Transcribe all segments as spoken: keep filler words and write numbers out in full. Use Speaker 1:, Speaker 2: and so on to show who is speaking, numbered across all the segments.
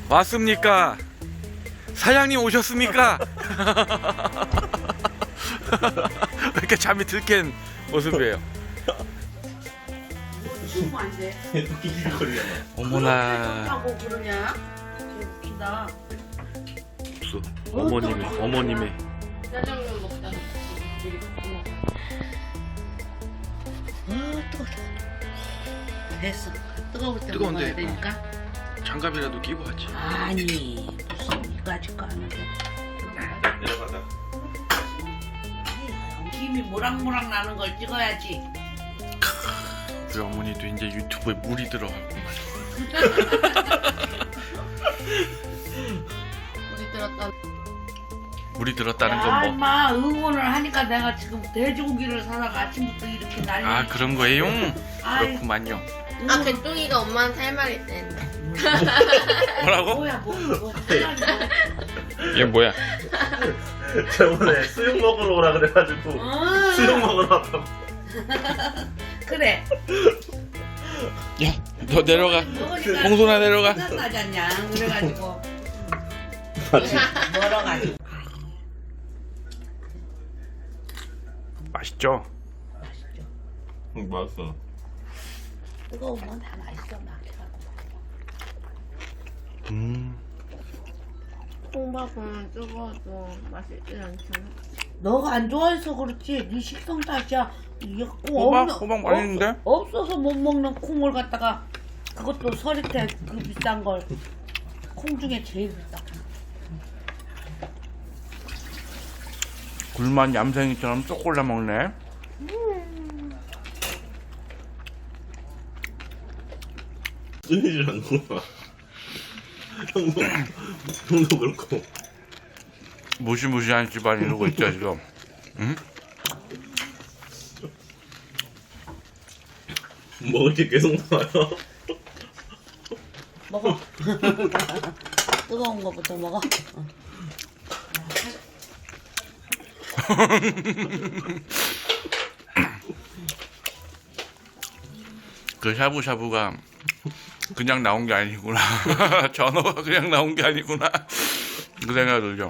Speaker 1: 왔습니까? 사장님 오셨습니까? 왜 이렇게 잠이 들깬 모습이에요?
Speaker 2: 웃으면 안 돼.
Speaker 3: 킥킥거리잖아.
Speaker 1: 어머나.
Speaker 2: 하고 그러냐? 웃긴다.
Speaker 1: 없어. 어머님이 어머님이
Speaker 2: 짜장면 먹자. 아 뜨거. 됐어. 뜨거울 때
Speaker 1: 뜨거운데,
Speaker 2: 먹어야 되니까.
Speaker 1: 장갑이라도 끼고 왔지.
Speaker 2: 아니 무슨 이까짓 거 하는데.
Speaker 3: 내려가자.
Speaker 2: 김이 모락모락 나는 걸 찍어야지.
Speaker 1: 우리 어머니도 이제 유튜브에 물이 들어갔구만.
Speaker 2: 우리 들었다.
Speaker 1: 물이 들었다는
Speaker 2: 야,
Speaker 1: 건 뭐?
Speaker 2: 임마 응원을 하니까 내가 지금 돼지고기를 사다가 아침부터 이렇게 난리.
Speaker 1: 아 그런 거예요?
Speaker 2: 아이,
Speaker 1: 그렇구만요.
Speaker 4: 아, 개똥이가 엄마한테 할 말이 있다는데.
Speaker 1: 뭐라고?
Speaker 2: 뭐야 뭐 뭐. 사장님 뭐.
Speaker 1: 얘 뭐야?
Speaker 3: 저번에 수육 먹으러 오라 그래가지고
Speaker 2: 아,
Speaker 3: 수육 먹으러 왔다고.
Speaker 2: 그래.
Speaker 1: 야, 너 내려가.
Speaker 2: 먹으니까
Speaker 1: 봉순아 내려가.
Speaker 2: 생각나지 않냐? 그래가지고
Speaker 3: 맞지?
Speaker 2: 멀어가지고.
Speaker 1: 맛있죠?
Speaker 2: 맛있죠.
Speaker 3: 응, 맛있어.
Speaker 2: 뜨거우면 다 맛있어 막혀갖고.
Speaker 1: 음.
Speaker 4: 콩밥은 뜨거워도 맛있지 않잖아.
Speaker 2: 너가 안 좋아해서 그렇지. 네 식성 탓이야. 이거
Speaker 1: 호박? 호박 맛있는데?
Speaker 2: 없어서 못 먹는 콩을 갖다가 그것도 서리태 그 비싼 걸. 콩 중에 제일 비싸.
Speaker 1: 굴만 얌생이처럼 쏙 골라 먹네.
Speaker 3: 끊이질 않는구나. 형도, 형도 그렇고.
Speaker 1: 무시무시한 집안 이러고 있죠 지금. 응?
Speaker 3: 먹을 게 계속 나와요.
Speaker 2: 먹어. 뜨거운 거부터 먹어. 어.
Speaker 1: 그 샤브샤브가 그냥 나온 게 아니구나. 전어가 그냥 나온 게 아니구나. 그 생각 들죠.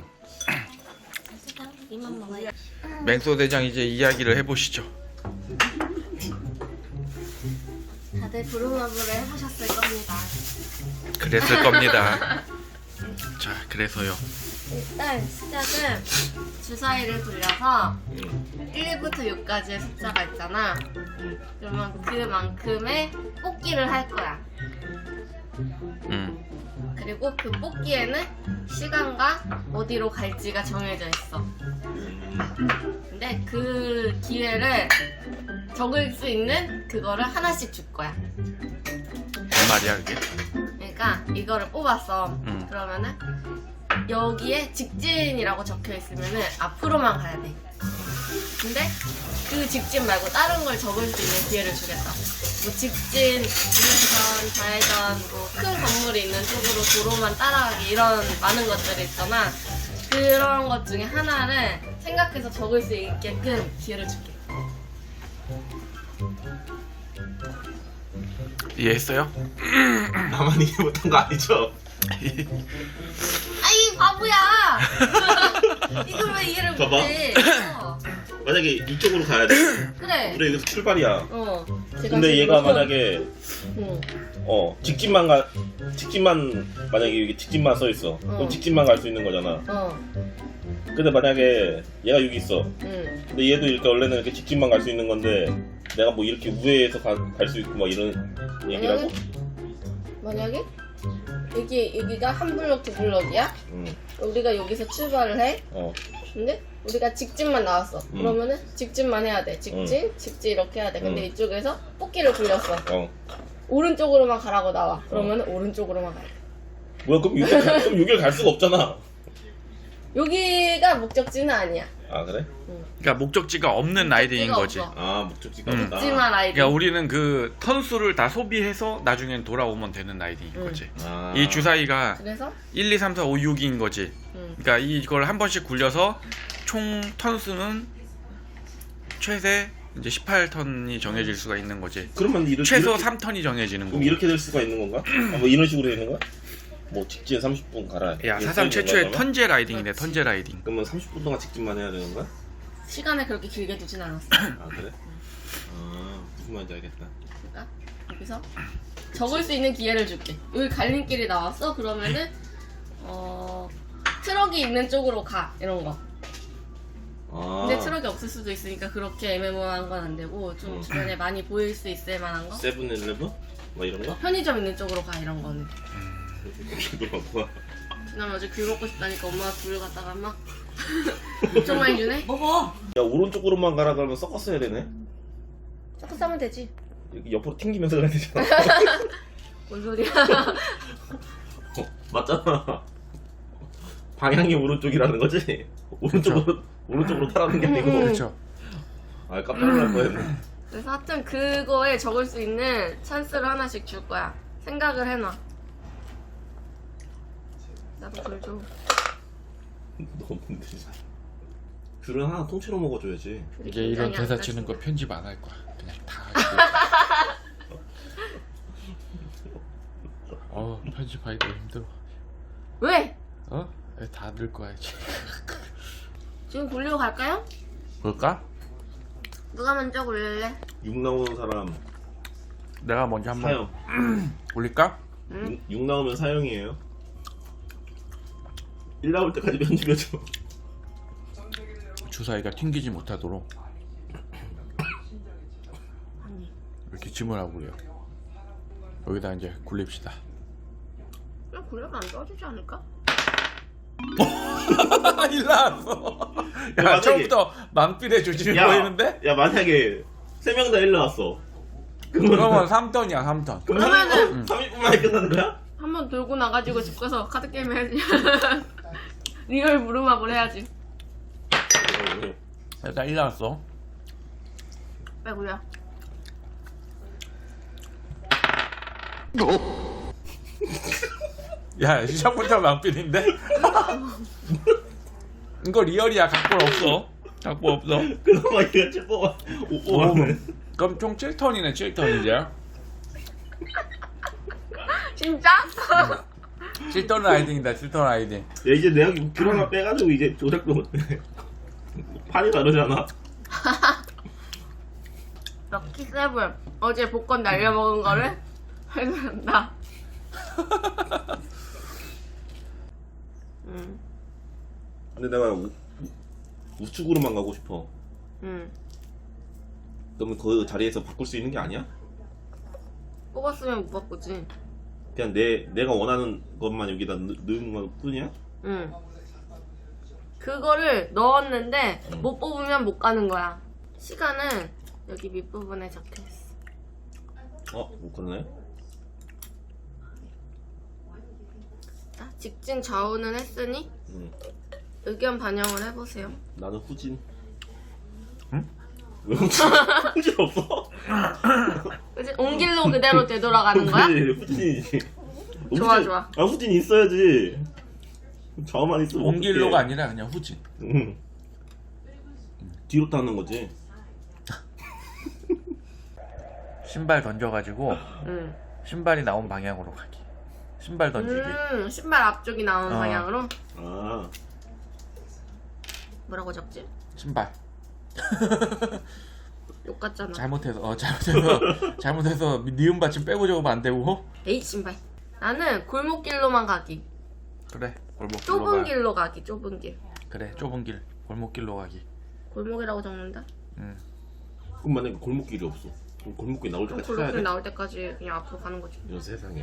Speaker 4: 이만 먹어요.
Speaker 1: 맹소 대장 이제 이야기를 해보시죠.
Speaker 4: 다들 부루마블을 해보셨을 겁니다.
Speaker 1: 그랬을 겁니다. 자, 그래서요.
Speaker 4: 일단 시작은 주사위를 굴려서 일부터 육까지의 숫자가 있잖아. 그러면 그만큼의 뽑기를 할 거야.
Speaker 1: 음.
Speaker 4: 그리고 그 뽑기에는 시간과 어디로 갈지가 정해져 있어. 근데 그 기회를 적을 수 있는 그거를 하나씩 줄 거야.
Speaker 1: 뭔 말이야 그게?
Speaker 4: 그러니까 이거를 뽑았어.
Speaker 1: 음.
Speaker 4: 그러면은 여기에 직진이라고 적혀 있으면은 앞으로만 가야 돼. 근데 그 직진 말고 다른 걸 적을 수 있는 기회를 주겠다. 뭐 직진, 우회전, 좌회전, 뭐 큰 건물이 있는 쪽으로 도로만 따라가기 이런 많은 것들이 있잖아. 그런 것 중에 하나를 생각해서 적을 수 있게끔 기회를 줄게.
Speaker 1: 이해했어요?
Speaker 3: 나만 이해 못한 거 아니죠?
Speaker 4: 아이 바보야! 이걸 왜 이해를
Speaker 3: 봐봐.
Speaker 4: 못해? 어.
Speaker 3: 만약에 이쪽으로 가야 돼.
Speaker 4: 그래.
Speaker 3: 우리 여기서 출발이야.
Speaker 4: 어. 제가
Speaker 3: 근데
Speaker 4: 지금
Speaker 3: 얘가
Speaker 4: 무슨-
Speaker 3: 만약에
Speaker 4: 응.
Speaker 3: 어 직진만 가 직진만 만약에 여기 직진만 써 있어.
Speaker 4: 어.
Speaker 3: 그럼 직진만 갈 수 있는 거잖아.
Speaker 4: 어.
Speaker 3: 근데 만약에 얘가 여기 있어.
Speaker 4: 응.
Speaker 3: 근데 얘도 이렇게 원래는 이렇게 직진만 갈 수 있는 건데 내가 뭐 이렇게 우회해서 갈 수 있고 막 이런 얘기라고?
Speaker 4: 만약에 여기 여기가 한 블럭 두 블럭이야.
Speaker 3: 응.
Speaker 4: 우리가 여기서 출발을 해.
Speaker 3: 어.
Speaker 4: 근데 우리가 직진만 나왔어.
Speaker 3: 음.
Speaker 4: 그러면은 직진만 해야 돼. 직진, 직진 이렇게 해야 돼. 근데
Speaker 3: 음.
Speaker 4: 이쪽에서 뽑기를 굴렸어.
Speaker 3: 어.
Speaker 4: 오른쪽으로만 가라고 나와. 그러면은 오른쪽으로만 가야 돼.
Speaker 3: 뭐야 그럼 여기 갈, 그럼 여기를 갈 수가 없잖아.
Speaker 4: 여기가 목적지는 아니야.
Speaker 3: 아 그래?
Speaker 1: 그러니까 목적지가 없는 라이딩인 거지.
Speaker 4: 없어.
Speaker 3: 아 목적지가
Speaker 1: 음.
Speaker 3: 없다.
Speaker 4: 직진만 라이딩.
Speaker 1: 그러니까 우리는 그 턴수를 다 소비해서 나중엔 돌아오면 되는 라이딩인
Speaker 4: 음.
Speaker 1: 거지.
Speaker 3: 아.
Speaker 1: 이 주사위가
Speaker 4: 그래서
Speaker 1: 일, 이, 삼, 사, 오, 육인 거지.
Speaker 4: 음.
Speaker 1: 그러니까 이걸 한 번씩 굴려서 총 턴수는 최대 이제 십팔 턴이 정해질 수가 있는 거지.
Speaker 3: 그러면 이렇게
Speaker 1: 최소
Speaker 3: 이렇게,
Speaker 1: 삼 턴이 정해지는 거고.
Speaker 3: 그럼 이렇게 될 수가 있는 건가? 아, 뭐 이런 식으로 되는 거야? 뭐 직진 삼십 분 가라.
Speaker 1: 야
Speaker 3: 이게
Speaker 1: 사상
Speaker 3: 써있는
Speaker 1: 최초의
Speaker 3: 거야, 그러면?
Speaker 1: 턴제 라이딩이네.
Speaker 4: 그렇지.
Speaker 1: 턴제 라이딩.
Speaker 3: 그러면 삼십 분 동안 직진만 해야 되는 거야?
Speaker 4: 시간을 그렇게 길게 두진 않았어.
Speaker 3: 아 그래? 아 무슨 말인지 알겠다.
Speaker 4: 그러니까 여기서 적을 수 있는 기회를 줄게. 여기 갈림길이 나왔어? 그러면은 어 트럭이 있는 쪽으로 가 이런 거.
Speaker 3: 아
Speaker 4: 근데 트럭이 없을 수도 있으니까 그렇게 애매모호한 건 안 되고 좀
Speaker 3: 음.
Speaker 4: 주변에 많이 보일 수 있을 만한 거.
Speaker 3: 세븐일레븐? 뭐 이런 거?
Speaker 4: 편의점 있는 쪽으로 가 이런 거는.
Speaker 3: 이거 뭐야?
Speaker 4: 지난번 어제 귤 먹고 싶다니까 엄마가 귤 갖다가 막 엄청 많이 주네.
Speaker 2: 먹어.
Speaker 3: 야 오른쪽으로만 가라 그러면 섞어서 해야 되네.
Speaker 4: 섞어 싸면 되지.
Speaker 3: 이렇게 옆으로 튕기면서 가야 되잖아.
Speaker 4: 뭔 소리야?
Speaker 3: 어, 맞잖아. 방향이 오른쪽이라는 거지? 오른쪽으로 오른쪽으로 타라는 게 아니고.
Speaker 4: 음.
Speaker 1: 그렇죠.
Speaker 3: 아 깜짝 놀랄 뻔했네.
Speaker 4: 그래서 하여튼 그거에 적을 수 있는 찬스를 하나씩 줄 거야. 생각을 해놔. 나도 귤 줘.
Speaker 3: 너무 힘들지. 귤은 하나 통째로 먹어줘야지.
Speaker 1: 이제 이런
Speaker 4: 굉장히
Speaker 1: 대사
Speaker 4: 안
Speaker 1: 치는 거
Speaker 4: 따지네.
Speaker 1: 편집 안 할 거야. 그냥 다. 어 편집하기가 힘들어.
Speaker 4: 왜?
Speaker 1: 어? 다 늘 거야 이제.
Speaker 4: 지금 굴리고 갈까요?
Speaker 1: 볼까?
Speaker 4: 누가 먼저 굴릴래?
Speaker 3: 육 나오는 사람
Speaker 1: 내가 먼저 한번
Speaker 3: 사형.
Speaker 1: 올릴까?
Speaker 4: 응?
Speaker 3: 육 나오면 사형이에요. 일 나올 때까지 편집해줘.
Speaker 1: 주사위가 튕기지 못하도록
Speaker 4: 아니.
Speaker 1: 이렇게 짐을 하고 그래요. 여기다 이제 굴립시다.
Speaker 4: 그냥 굴려도 안 떠주지 않을까?
Speaker 1: 일 나왔어. 야,
Speaker 3: 만약에-
Speaker 1: 처음부터 망필의 조짐이 보이는데?
Speaker 3: 야 만약에 세 명 다 일 나왔어.
Speaker 1: 그러면 삼 턴이야 삼 턴.
Speaker 3: 그럼
Speaker 4: 그러면은-
Speaker 3: 삼십 분 만에 끝나는 거야?
Speaker 4: 한 번 돌고 나가지고 집 가서 카드 게임 해야지. 리얼 무릎마블 해야지.
Speaker 1: 일단 일 나왔어.
Speaker 4: 빨리 굴려.
Speaker 1: 야 시작부터 망필인데? 이거 리얼이야. 각본 없어. 각본 없어.
Speaker 3: 그나마 이거 칠 뽑아. 오 뽑았네.
Speaker 1: 그럼 총 칠 턴이네. 칠 턴 이제.
Speaker 4: 진짜?
Speaker 1: 칠 턴 라이딩이다. 칠 턴 라이딩.
Speaker 3: 야 이제 내가 귤 하나 빼가지고 이제 조작도 못해. 판이 다르잖아.
Speaker 4: 럭키 세븐. 어제 복권 날려먹은 거를 해준다. 응,
Speaker 3: 근데 내가 우, 우측으로만 가고 싶어.
Speaker 4: 응.
Speaker 3: 그러면 그 자리에서 바꿀 수 있는 게 아니야?
Speaker 4: 뽑았으면 못 바꾸지.
Speaker 3: 그냥 내 내가 원하는 것만 여기다 넣, 넣은 것 뿐이야?
Speaker 4: 응. 그거를 넣었는데 못 뽑으면 못 가는 거야. 시간은 여기 밑부분에 적혀 있어.
Speaker 3: 어, 뭐 그러네.
Speaker 4: 자, 직진 좌우는 했으니
Speaker 3: 응.
Speaker 4: 의견 반영을 해보세요.
Speaker 3: 나는 후진.
Speaker 1: 응?
Speaker 3: 왜 후진? 후진 없어?
Speaker 4: 그치? 온 길로 그대로 되돌아가는 거야?
Speaker 3: 그래, 후진이지.
Speaker 4: 좋아,
Speaker 3: 후진-
Speaker 4: 좋아.
Speaker 3: 아 후진 있어야지. 좌우만 있으면
Speaker 1: 온 길로가
Speaker 3: 어떡해.
Speaker 1: 아니라 그냥 후진.
Speaker 3: 응. 뒤로 타는 거지.
Speaker 1: 신발 던져가지고
Speaker 4: 응.
Speaker 1: 신발이 나온 방향으로 가기. 신발 던지기.
Speaker 4: 음, 신발 앞쪽이 나오는
Speaker 1: 어.
Speaker 4: 방향으로?
Speaker 3: 아,
Speaker 4: 뭐라고 적지?
Speaker 1: 신발.
Speaker 4: 욕 같잖아.
Speaker 1: 잘못해서 어 잘못해서 잘못해서 니은 받침 빼고 적으면 안 되고.
Speaker 4: 에이, 신발. 나는 골목길로만 가기.
Speaker 1: 그래 골목길로
Speaker 4: 좁은
Speaker 1: 가.
Speaker 4: 길로 가기, 좁은 길.
Speaker 1: 그래 좁은 길 골목길로 가기.
Speaker 4: 골목이라고 적는다?
Speaker 1: 응.
Speaker 3: 그럼 만약에 골목길이 없어. 그럼 골목길 나올
Speaker 4: 그럼
Speaker 3: 때까지 찾아야
Speaker 4: 골목길
Speaker 3: 돼?
Speaker 4: 나올 때까지 그냥 앞으로 가는 거지.
Speaker 3: 이런 세상에.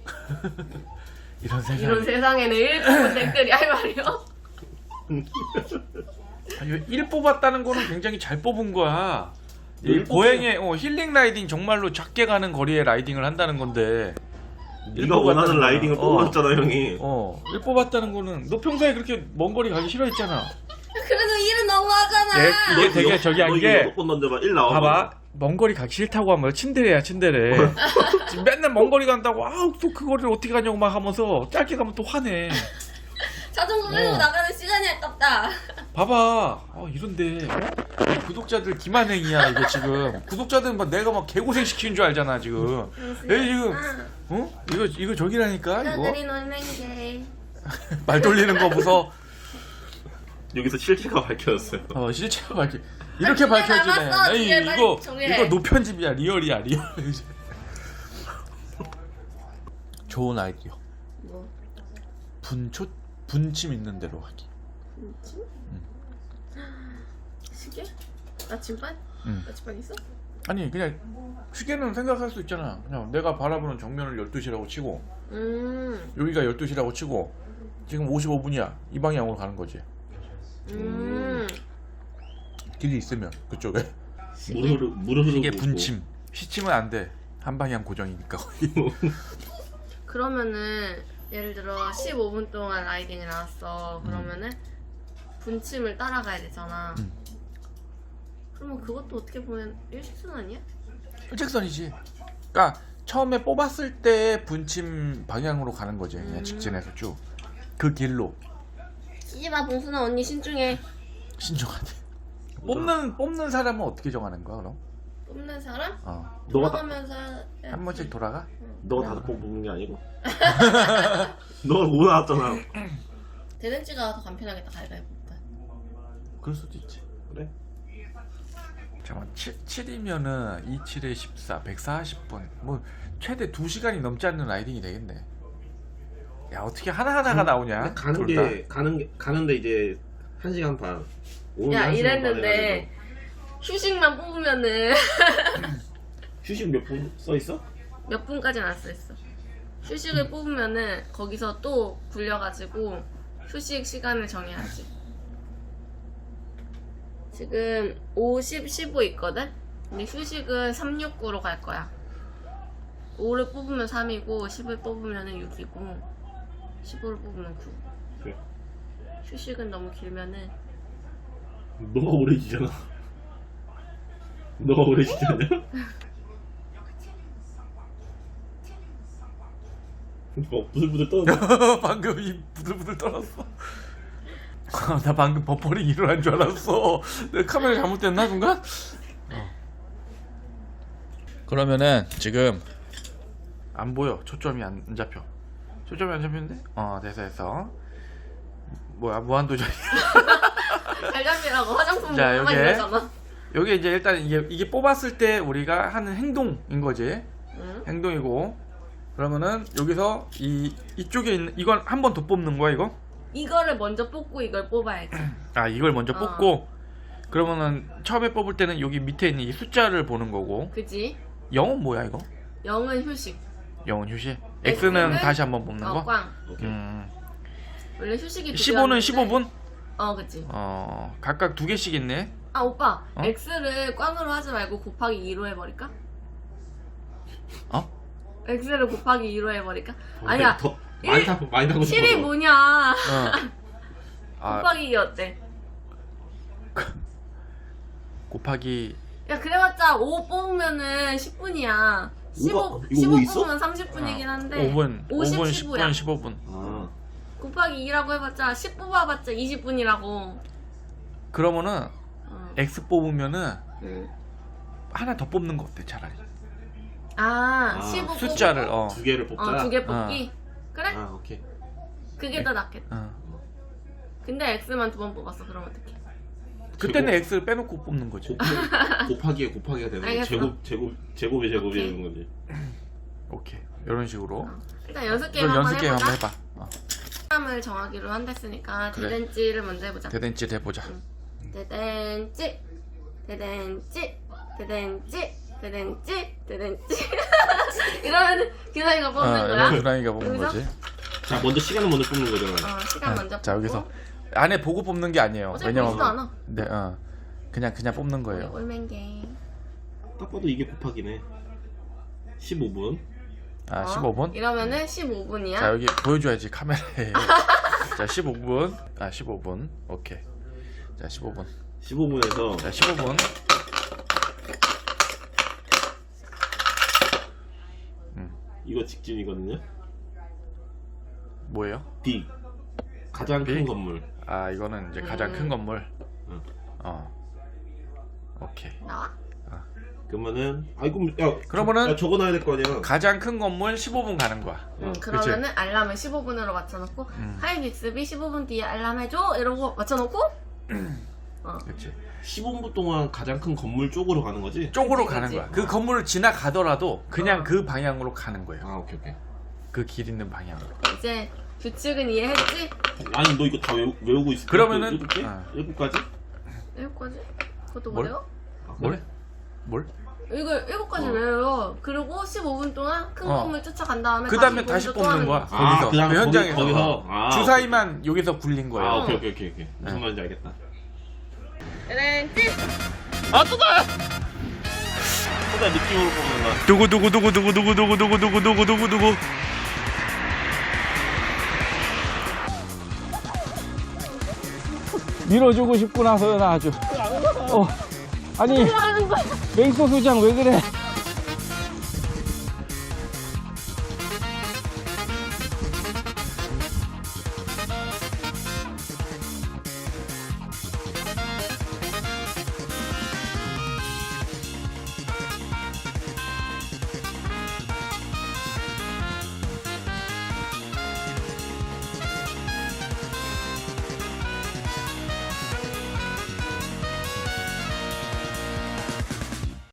Speaker 1: 이런 세상.
Speaker 4: 이런 세상에는 일 뽑은 댓글이 할 말이요?
Speaker 1: 일 뽑았다는 거는 굉장히 잘 뽑은 거야. 이
Speaker 3: 일
Speaker 1: 보행의 어, 힐링 라이딩 정말로 작게 가는 거리에 라이딩을 한다는 건데. 일
Speaker 3: 네가 원하는
Speaker 1: 뽑았다는
Speaker 3: 라이딩을
Speaker 1: 거는, 어,
Speaker 3: 뽑았잖아 형이.
Speaker 1: 어, 일 뽑았다는 거는 너 평소에 그렇게 먼 거리 가기 싫어했잖아.
Speaker 4: 그래도 일은 너무하잖아.
Speaker 1: 예, 이게 되게 저기 한 게
Speaker 3: 여섯 번 던져봐. 일 나와.
Speaker 1: 봐봐. 먼 거리 가기 싫다고 하면 친데레야 친데레. 지금 맨날 먼 거리 간다고 아우 또 그 거리를 어떻게 가냐고 막 하면서 짧게 가면 또 화내.
Speaker 4: 자전거 끌고
Speaker 1: 어.
Speaker 4: 나가는 시간이 아깝다.
Speaker 1: 봐봐. 어, 이런데 어? 구독자들 기만행이야 이거 지금. 구독자들은 막 내가 막 개고생 시키는 줄 알잖아 지금. 얘 지금 어? 이거 이거 저기라니까 이거.
Speaker 4: 너들이 놀맹게.
Speaker 1: 말 돌리는 거 무서.
Speaker 3: 여기서 실체가 밝혀졌어요.
Speaker 1: 어 실체가 밝히. 이렇게
Speaker 4: 아, 뒤에
Speaker 1: 밝혀지네.
Speaker 4: 남았어.
Speaker 1: 아니
Speaker 4: 뒤에 빨리
Speaker 1: 이거
Speaker 4: 정리해.
Speaker 1: 이거 노편집이야 리얼이야 리얼. 좋은 아이디어.
Speaker 4: 뭐?
Speaker 1: 분초 분침 있는 대로 하기.
Speaker 4: 뭐지? 시계? 나침반?
Speaker 1: 응.
Speaker 4: 나침반 있어?
Speaker 1: 아니 그냥 시계는 생각할 수 있잖아. 그냥 내가 바라보는 정면을 열두 시라고 치고
Speaker 4: 음.
Speaker 1: 여기가 열두 시라고 치고 지금 오십오 분이야. 이 방향으로 가는 거지.
Speaker 4: 음.
Speaker 1: 길이 있으면 그쪽에.
Speaker 3: 무르르 무르르.
Speaker 1: 이게 분침. 시침은 안 돼. 한 방향 고정이니까 거의.
Speaker 4: 그러면은 예를 들어 십오 분 동안 라이딩이 나왔어. 그러면은 분침을 따라가야 되잖아.
Speaker 1: 음.
Speaker 4: 그러면 그것도 어떻게 보면 일직선 아니야?
Speaker 1: 일직선이지. 그러니까 처음에 뽑았을 때 분침 방향으로 가는 거지. 그냥
Speaker 4: 음.
Speaker 1: 직진해서 쭉. 그 길로
Speaker 4: 시집아 봉순아 언니 신중해.
Speaker 1: 신중하게. 뽑는 뽑는 사람은 어떻게 정하는 거야 그럼?
Speaker 4: 뽑는 사람?
Speaker 1: 어.
Speaker 3: 너가 다,
Speaker 4: 돌아가면서
Speaker 1: 한 번씩 돌아가?
Speaker 3: 너가 다섯 번 뽑는 게 아니고. 너가 못 나왔잖아.
Speaker 4: 대댄지가 더 간편하겠다. 가위바위보.
Speaker 1: 그럴 수도 있지.
Speaker 3: 그래?
Speaker 1: 잠깐만 칠 이면은 이십칠에 십사 백사십 분 뭐 최대 두 시간이 넘지 않는 라이딩이 되겠네. 야 어떻게 하나하나가 나오냐?
Speaker 3: 가는
Speaker 1: 둘
Speaker 3: 게
Speaker 1: 다?
Speaker 3: 가는 게 가는데 이제 한 시간 반. 오늘
Speaker 4: 야
Speaker 3: 한 시간 반
Speaker 4: 이랬는데
Speaker 3: 해가지고.
Speaker 4: 휴식만 뽑으면은
Speaker 3: 휴식 몇 분 써 있어?
Speaker 4: 몇 분까지는 안 써있어. 휴식을 뽑으면은 거기서 또 굴려가지고 휴식 시간을 정해야지. 지금 오십, 십오 있거든? 근데 휴식은 삼백육십구로 갈 거야. 오를 뽑으면 삼이고 십을 뽑으면 육이고 십오를 뽑으면 구.
Speaker 3: 그래.
Speaker 4: 휴식은 너무 길면은
Speaker 3: 너가 오래 지잖아. 너가 오래 지지 않냐? 뭐 부들부들 떠는데?
Speaker 1: 방금 이 부들부들 떨었어. 나 방금 버퍼링 일어난 줄 알았어. 내 카메라 잘못됐나 순간? 어. 그러면은 지금 안 보여. 초점이 안, 안 잡혀. 초점이 안 잡히는데? 어 됐어 됐어. 뭐야 무한도전.
Speaker 4: 잘 잡히라고 화장품
Speaker 1: 자,
Speaker 4: 먹으면
Speaker 1: 여기에.
Speaker 4: 이러잖아.
Speaker 1: 여기 이제 일단 이게 이게 뽑았을 때 우리가 하는 행동인 거지.
Speaker 4: 응?
Speaker 1: 행동이고 그러면은 여기서 이 이쪽에 있는 이건 한 번 더 뽑는 거야 이거?
Speaker 4: 이거를 먼저 뽑고 이걸 뽑아야지.
Speaker 1: 아 이걸 먼저
Speaker 4: 어.
Speaker 1: 뽑고 그러면은 처음에 뽑을 때는 여기 밑에 있는 이 숫자를 보는 거고
Speaker 4: 그지?
Speaker 1: 영은 뭐야 이거?
Speaker 4: 영은 휴식.
Speaker 1: 영은 휴식.
Speaker 4: X는
Speaker 1: X는 다시 한번 뽑는
Speaker 4: 어,
Speaker 1: 거?
Speaker 4: 꽝.
Speaker 3: 오케이.
Speaker 1: 음.
Speaker 4: 원래 휴식이 두
Speaker 1: 십오는
Speaker 4: 개였는데-
Speaker 1: 십오 분?
Speaker 4: 어, 그치.
Speaker 1: 어 각각 두 개씩 있네.
Speaker 4: 아, 오빠.
Speaker 1: 어?
Speaker 4: X를 꽝으로 하지 말고 곱하기 이로 해버릴까?
Speaker 1: 어?
Speaker 4: X를 곱하기 이로 해버릴까? 아니야.
Speaker 3: 더 많이
Speaker 4: 일-
Speaker 3: 타 많이 타고 싶어.
Speaker 4: 칠이 뭐냐?
Speaker 1: 어. 아
Speaker 4: 곱하기 이 어때?
Speaker 1: 곱하기
Speaker 4: 야, 그래봤자 오 뽑으면은 십 분이야. 십오,
Speaker 3: 오가- 이거
Speaker 4: 십오
Speaker 3: 오 있어?
Speaker 4: 뽑으면 삼십 분이긴 한데.
Speaker 1: 오 분,
Speaker 4: 오십,
Speaker 1: 오 분,
Speaker 4: 십오야.
Speaker 1: 십 분, 십오 분.
Speaker 3: 아,
Speaker 4: 곱하기 이라고 해봤자 십 뽑아봤자 이십 분이라고.
Speaker 1: 그러면은
Speaker 4: 어.
Speaker 1: X 뽑으면은
Speaker 4: 응.
Speaker 1: 하나 더 뽑는 거 어때 차라리?
Speaker 4: 아,
Speaker 3: 아,
Speaker 4: 십오
Speaker 1: 숫자를 어.
Speaker 3: 두 개를 뽑자.
Speaker 4: 어, 두 개 뽑기? 그래?
Speaker 3: 아, 오케이.
Speaker 4: 그게 더 낫겠다.
Speaker 1: 어.
Speaker 4: 근데 X만 두 번 뽑았어. 그럼 어떡해?
Speaker 1: 그때는
Speaker 3: 제곱.
Speaker 1: X를 빼놓고 뽑는 거지.
Speaker 3: 곱하, 곱하기에 곱하기가 되는 거.
Speaker 4: 알겠어.
Speaker 3: 제곱 제곱 제곱이 제곱이
Speaker 4: 오케이.
Speaker 3: 되는 거지.
Speaker 1: 오케이 이런 식으로.
Speaker 4: 일단 연습 게임
Speaker 1: 그럼
Speaker 4: 한번
Speaker 1: 연습 게임
Speaker 4: 해보자.
Speaker 1: 한번 해봐. 어.
Speaker 4: 사람을 정하기로 한댔으니까
Speaker 1: 그래.
Speaker 4: 대댄지를 먼저 해보자.
Speaker 1: 대댄지 해보자.
Speaker 4: 대댄지, 대댄지, 대댄지, 대댄지, 대댄지. 이러면 기사이가 뽑는
Speaker 1: 어,
Speaker 4: 거야.
Speaker 1: 이거 유랑이가 뽑는
Speaker 4: 여기서?
Speaker 1: 거지.
Speaker 3: 자, 먼저 시간을 먼저 뽑는 거잖아.
Speaker 4: 어, 시간
Speaker 1: 어,
Speaker 4: 먼저
Speaker 1: 자
Speaker 4: 뽑고.
Speaker 1: 여기서 안에 보고 뽑는 게 아니에요.
Speaker 4: 어차피
Speaker 1: 왜냐면
Speaker 4: 보지도 않아.
Speaker 1: 네, 어. 그냥 그냥 뽑는 거예요.
Speaker 4: 올맨게.
Speaker 3: 딱 봐도 이게 곱하기네. 십오 분.
Speaker 1: 아
Speaker 4: 어?
Speaker 1: 십오 분.
Speaker 4: 이러면은 십오 분이야.
Speaker 1: 자 여기 보여줘야지 카메라에. 자 십오 분. 아 십오 분. 오케이. 자 십오 분.
Speaker 3: 십오 분에서
Speaker 1: 자 십오 분.
Speaker 3: 이거 직진이거든요.
Speaker 1: 뭐예요?
Speaker 3: D. 가장 큰
Speaker 1: B?
Speaker 3: 건물.
Speaker 1: 아 이거는 이제 가장
Speaker 4: 음.
Speaker 1: 큰 건물.
Speaker 3: 응.
Speaker 1: 어. 오케이.
Speaker 4: 나와?
Speaker 3: 그러면은 아이고 야
Speaker 1: 그러면은
Speaker 3: 야, 적어놔야 될 거 아니야.
Speaker 1: 가장 큰 건물 십오 분 가는 거야.
Speaker 4: 응,
Speaker 1: 그치?
Speaker 4: 그러면은 알람을 십오 분으로 맞춰놓고
Speaker 1: 음.
Speaker 4: 하이 빅스비 십오 분 뒤에 알람 해줘 이러고 맞춰놓고 어.
Speaker 1: 그렇지.
Speaker 3: 십오 분 동안 가장 큰 건물 쪽으로 가는 거지?
Speaker 1: 쪽으로
Speaker 4: 그치,
Speaker 1: 가는
Speaker 4: 그치.
Speaker 1: 거야. 그 건물을 지나가더라도 그냥
Speaker 4: 어.
Speaker 1: 그 방향으로 가는 거예요.
Speaker 3: 아 오케이 오케이.
Speaker 1: 그 길 있는 방향으로.
Speaker 4: 이제 규칙은 이해했지?
Speaker 3: 아니 너 이거 다 외우, 외우고 있어?
Speaker 1: 그러면은-
Speaker 3: 일곱 개?
Speaker 1: 어.
Speaker 3: 일곱 가지?
Speaker 4: 일곱 가지? 그것도
Speaker 1: 뭘?
Speaker 4: 뭐래요?
Speaker 3: 아,
Speaker 1: 뭘?
Speaker 3: 그래?
Speaker 1: 뭘?
Speaker 4: 이거 일곱 가지
Speaker 3: 어.
Speaker 4: 외워요. 그리고 십오 분 동안 큰
Speaker 1: 어.
Speaker 4: 건물 쫓아간 다음에
Speaker 1: 그 다음에 다시
Speaker 4: 다시 또 하는
Speaker 1: 뽑는 거야.
Speaker 4: 거지.
Speaker 3: 아,
Speaker 1: 거기서.
Speaker 3: 그다음에
Speaker 1: 그
Speaker 3: 거기-
Speaker 1: 현장에서.
Speaker 3: 거기서? 아,
Speaker 1: 주사위만 여기서 굴린 거예요.
Speaker 3: 아 오케이 오케이 오케이 오케이 무슨
Speaker 1: 네.
Speaker 3: 말인지 알겠다.
Speaker 4: 렌즈!
Speaker 3: 아 또다! 또다 느낌으로 뽑는다.
Speaker 1: 누구 누구 누구 누구 누구 누구 누구 누구 누구 누구 누구
Speaker 5: 밀어주고 싶구나 서연아 아주 어 아니 맹소 소장 왜 그래